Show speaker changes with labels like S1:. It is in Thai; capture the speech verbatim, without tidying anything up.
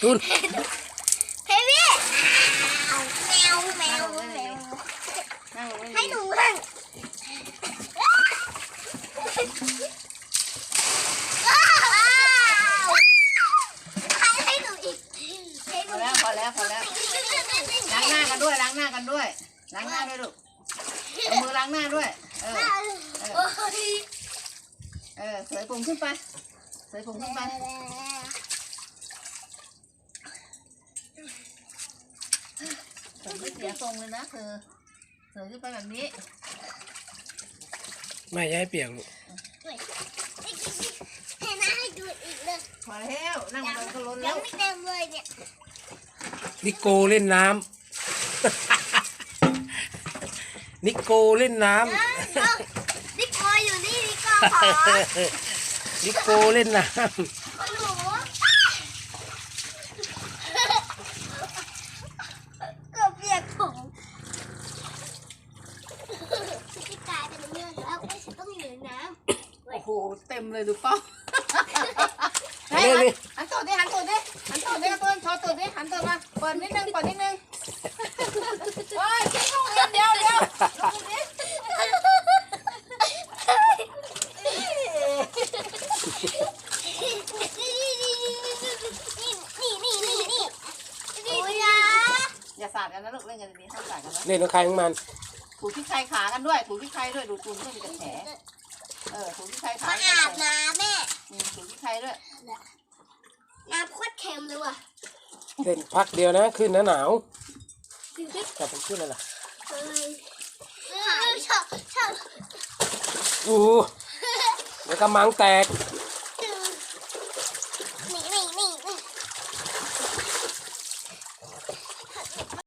S1: ตุน
S2: เฮวี่แมวแมวแมวให้หนูนั่งให้หนูอีก
S3: พอแล้วพอแล้วพอแล้วล้างหน้ากันด้วยล้างหน้ากันด้วยล้างหน้าด้วยลูกเอามือล้างหน้าด้วยเออเออเออเสยผมขึ้นไปเสยผมขึ้นไปผมไม่เสียทรงเลยนะเธอเสยขึ้นไปแบบนี้
S1: ไม่ย้ายเปียกลูก
S2: ให้น้าให้ดูอีกเลย
S3: พอแล้วนั่งมันก็ล้น
S2: ยั
S3: แล้ว
S2: งไม่เต็มเลยเนี่ย
S1: นิโกเล่นน้ำนิโกเล่นน้ำ
S2: นิโกอยู่นี่นิโกขอ
S1: นิโกเล่นน้ำ
S2: หนูเกือบเปียกถุงจะกลายเป็นเรื่องแล้วไม่ฉันต้องอยู่ในน้ำ
S3: โอ้โหเต็มเลยดูเป้าเฮ้ยหันตัวดิหันตัวดิหันตัวดิตัวชอตัวดิหันตัวมาเปิดนิดนึงเปิดนิดนึงโอ้ยทิ้งลงเรียนเดียวเดียวลงดิอย่าสาดกันนะลูกเล่นกันดีๆห้ามสาดกันนะ
S1: เล่นกับใครของมัน
S3: ถูที่ใครขากันด้วยถูที่ใครด้วยดูตูนด้วยมีแต่แผลเออถูที่ใครขา
S2: มาอาบน้ำแม่
S3: ถูที่ใครด้วย
S2: น้ำโคตรเค็มเลยว่ะ
S1: เล่นพักเดียวนะขึ้นนะหนาวจับมันขึ้นเลยล่ะ
S2: ชอบชอบ
S1: อู้เดี๋ยวกระมังแตก